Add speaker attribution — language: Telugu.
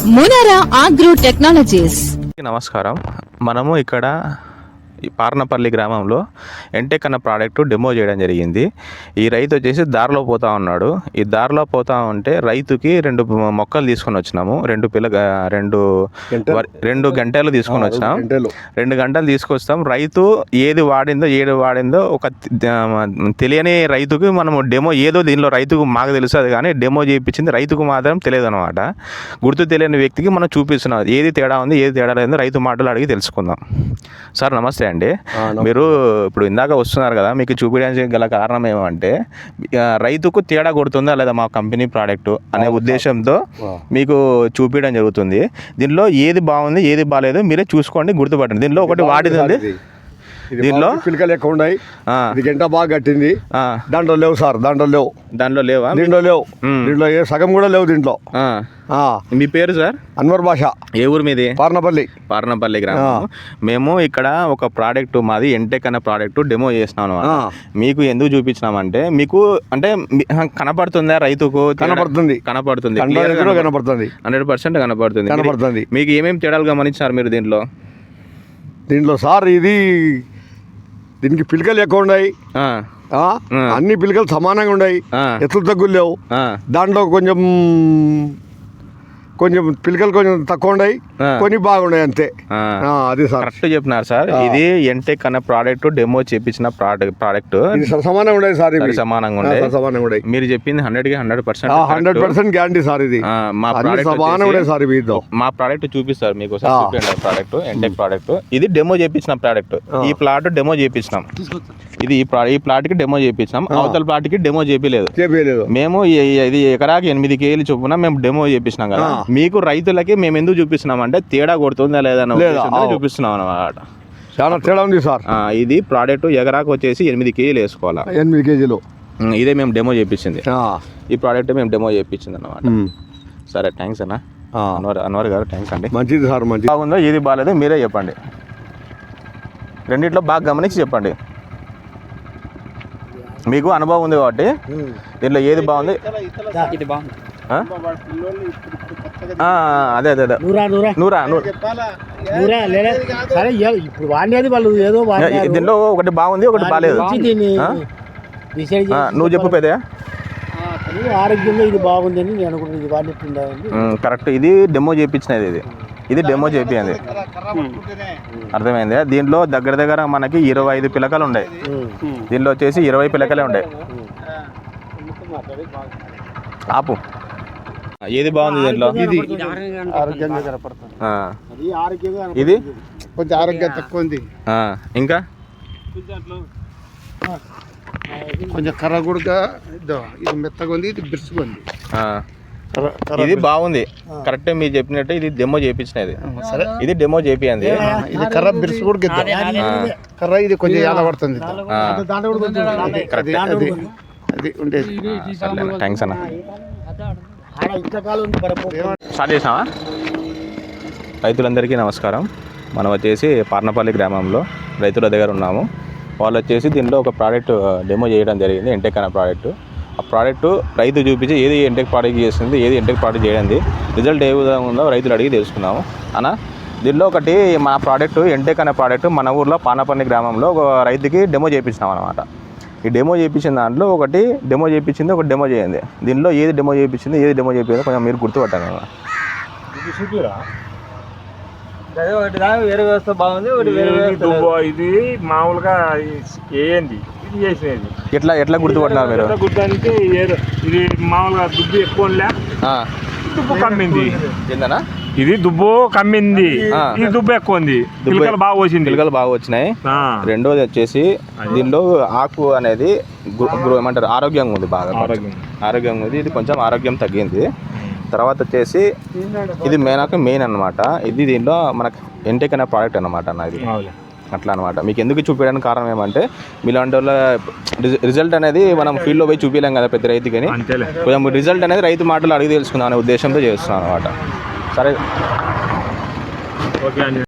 Speaker 1: మునారా అగ్రో టెక్నాలజీస్.
Speaker 2: నమస్కారం. మనము ఇక్కడ ఈ పార్నపల్లి గ్రామంలో ఎంటెక్ అన్న ప్రోడక్ట్ డెమో చేయడం జరిగింది. ఈ రైతు వచ్చేసి దారిలో పోతా ఉన్నాడు. ఈ దారిలో పోతా ఉంటే రైతుకి 2 మొక్కలు తీసుకొని వచ్చినాము. 2 గంటలు తీసుకొని వచ్చినాం. 2 గంటలు తీసుకొస్తాం. రైతు ఏది వాడిందో ఒక తెలియని రైతుకి మనము డెమో ఏదో దీనిలో రైతుకు మాకు తెలుస్తుంది, కానీ డెమో చేయించింది రైతుకు మాత్రం తెలియదు అనమాట. గుర్తు తెలియని వ్యక్తికి మనం చూపిస్తున్నాం ఏది తేడా ఉంది, ఏది తేడా లేదో రైతు మాటలు అడిగి తెలుసుకుందాం. సార్ నమస్తే అండి. మీరు ఇప్పుడు ఇందాక వస్తున్నారు కదా, మీకు చూపించడానికి గల కారణం ఏమంటే రైతుకు తేడా కొడుతుందా లేదా మా కంపెనీ ప్రోడక్ట్ అనే ఉద్దేశంతో మీకు చూపించడం జరుగుతుంది. దీనిలో ఏది బాగుంది ఏది బాగాలేదు మీరే చూసుకోండి, గుర్తుపట్టండి. దీనిలో ఒకటి వాడిది ఉంది, దీనిలో
Speaker 3: పిలకలు ఎక్కువ ఉన్నాయి, గంట బాగా కట్టింది. దాంట్లో లేవు సార్, దాంట్లో లేవు
Speaker 2: లేవా?
Speaker 3: దీంట్లో లేవు, దీంట్లో ఏ సగం కూడా లేవు దీంట్లో.
Speaker 2: మీ పేరు సార్?
Speaker 3: అన్వర్ బాషా.
Speaker 2: ఏ ఊరు మీది? పార్నపల్లి గ్రామం. మేము ఇక్కడ ఒక ప్రోడక్ట్ మాది ఎంటెక్ అనే ప్రోడక్ట్ డెమో చేసినాను. మీకు ఎందుకు చూపించినామంటే మీకు అంటే కనపడుతుందా రైతుకు? కనపడుతుంది 100% కనపడుతుంది. మీకు ఏమేమి తేడాలు గమనించారు మీరు
Speaker 3: దీంట్లో సార్? దీనికి పిలకలు ఎక్కువ ఉన్నాయి, అన్ని పిలకలు సమానంగా ఉన్నాయి, ఎత్తులు తగ్గులు లేవు. దాంట్లో కొంచెం పిలకలు కొంచెం తక్కువ ఉన్నాయి, కొన్ని బాగున్నాయి అంతే. అది సార్
Speaker 2: కరెక్ట్ చెప్పినారు సార్. ఇది ఎంటెక్ అనే ప్రోడక్ట్ డెమో చేపించిన ప్రోడక్ట్
Speaker 3: సమానంగా ఉన్నాయి సార్.
Speaker 2: సమానంగా ఉన్నాయి. మీరు చెప్పింది 100%
Speaker 3: గ్యారంటీ సార్. ఇది
Speaker 2: మా ప్రోడక్ట్ చూపిస్తారు మీకు. ప్రోడక్ట్ ఎంటెక్ ప్రోడక్ట్ ఇది డెమో చేపించిన ప్రోడక్ట్. ఈ ప్లాట్ డెమో చేపించినాం. ఇది ఈ ప్లాట్ కి డెమో చేపించినాం. అవతల ప్లాట్ కి డెమో చేపిలేదు. మేము ఇది ఎకరాకి 8 కేజీలు చొప్పున మేము డెమో చేపించినాం కదా. మీకు రైతులకి మేము ఎందుకు చూపిస్తున్నాం అంటే తేడా కొడుతుందా లేదా చూపిస్తున్నాం అన్నమాట.
Speaker 3: చాలా తేడా ఉంది సార్.
Speaker 2: ఇది ప్రోడక్ట్ ఎకరాకు వచ్చేసి 8 కేజీలు వేసుకోవాలా.
Speaker 3: 8 కేజీలు
Speaker 2: ఇదే మేము డెమో చేపించింది. ఈ ప్రోడక్ట్ మేము డెమో చేపించింది అన్నమాట. సరే, థ్యాంక్స్ అన్న. అన్వర్ గారు థ్యాంక్స్ అండి.
Speaker 3: మంచిది సార్. మంచిది
Speaker 2: బాగుందో ఏది బాగాలేదో మీరే చెప్పండి. రెండిట్లో బాగా గమనించి చెప్పండి. మీకు అనుభవం ఉంది కాబట్టి దీంట్లో ఏది బాగుంది? అదే దీనిలో ఒకటి బాగుంది, ఒకటి బాగాలేదు. నువ్వు చెప్పు పెద్ద.
Speaker 4: ఆరోగ్యంగా ఇది బాగుంది అని నేను అనుకుంటున్నాను.
Speaker 2: కరెక్ట్. ఇది డెమో చేయించినది. ఇది డెమో చేయింది. అర్థమైంది. దీంట్లో దగ్గర మనకి 25 పిలకలు ఉన్నాయి. దీనిలో వచ్చేసి 20 పిలకలే ఉన్నాయి. ఆపు. ఏది బాగుంది దీంట్లో? ఇది
Speaker 3: కొంచెం ఆరోగ్యం తక్కువ ఉంది.
Speaker 2: ఇంకా
Speaker 3: కొంచెం కర్ర కూడా ఇది మెత్తగా ఉంది, ఇది బిరుసుగా ఉంది.
Speaker 2: ఇది బాగుంది. కరెక్ట్ మీరు చెప్పినట్టు ఇది డెమో చేయించినది. ఇది డెమో చేపియండి.
Speaker 3: ఇది కర్ర బిరుసు కూడా కర్ర ఇది కొంచెం ఎలా పడుతుంది. అది ఉండేది.
Speaker 2: థ్యాంక్స్ అన్న. స్టార్ట్ చేసావా? రైతులందరికీ నమస్కారం. మనం వచ్చేసి పార్నపల్లి గ్రామంలో రైతుల దగ్గర ఉన్నాము. వాళ్ళు వచ్చేసి దీనిలో ఒక ప్రోడక్ట్ డెమో చేయడం జరిగింది, ఎంటెక్ అనే ప్రోడక్ట్. ఆ ప్రోడక్ట్ రైతు చూపించి ఏది ఎంటెక్ ప్రోడక్ట్ చేస్తుంది, ఏది ఎంటెక్ ప్రోడక్ట్ చేయడండి, రిజల్ట్ ఏ విధంగా ఉందో రైతులు అడిగి తెలుసుకున్నాము అన్న. దీనిలో ఒకటి మా ప్రోడక్ట్ ఎంటెక్ అనే ప్రోడక్ట్ మన ఊర్లో పార్నపల్లి గ్రామంలో ఒక రైతుకి డెమో చేయించినాం అనమాట. ఈ డెమో చేయించిన దాంట్లో ఒకటి డెమో చేయించింది, ఒకటి డెమో చేయండి. దీనిలో ఏది డెమో చేయించింది, ఏది డెమో చేయించిందో కొంచెం మీరు గుర్తుపట్టాను.
Speaker 5: వేరే వ్యవస్థ బాగుంది, ఇది మామూలుగా ఏంది ఇది చేసినది.
Speaker 2: ఎట్లా గుర్తుపట్టినారు మీరు?
Speaker 5: గుర్తు ఇది మామూలుగా దుబ్బు ఎక్కువ దుబ్బు కమ్మింది. ఏందన్నా? ఇది దుబ్బు కమ్మింది, ఇది దుబ్బు ఎక్కువ ఉంది. పిలకలు
Speaker 2: బాగా వచ్చినాయి. రెండోది వచ్చేసి దీనిలో ఆకు అనేది ఏమంటారు ఆరోగ్యంగా ఉంది, బాగా ఆరోగ్యంగా ఉంది. ఇది కొంచెం ఆరోగ్యం తగ్గింది. తర్వాత వచ్చేసి ఇది మెయిన్ అన్నమాట. ఇది దీనిలో మనకు ఎంటెక్ అనే ప్రోడక్ట్ అన్నమాట అన్న. ఇది అట్లా అనమాట. మీకు ఎందుకు చూపించడానికి కారణం ఏమంటే మీలాంటి వాళ్ళ రిజల్ట్ అనేది మనం ఫీల్డ్లో పోయి చూపించలేం కదా ప్రతి రైతుకి. కొంచెం రిజల్ట్ అనేది రైతు మాటలు అడిగి తెలుసుకుందాం అనే ఉద్దేశంతో చేస్తున్నాం అనమాట. సరే, ఓకే అండి.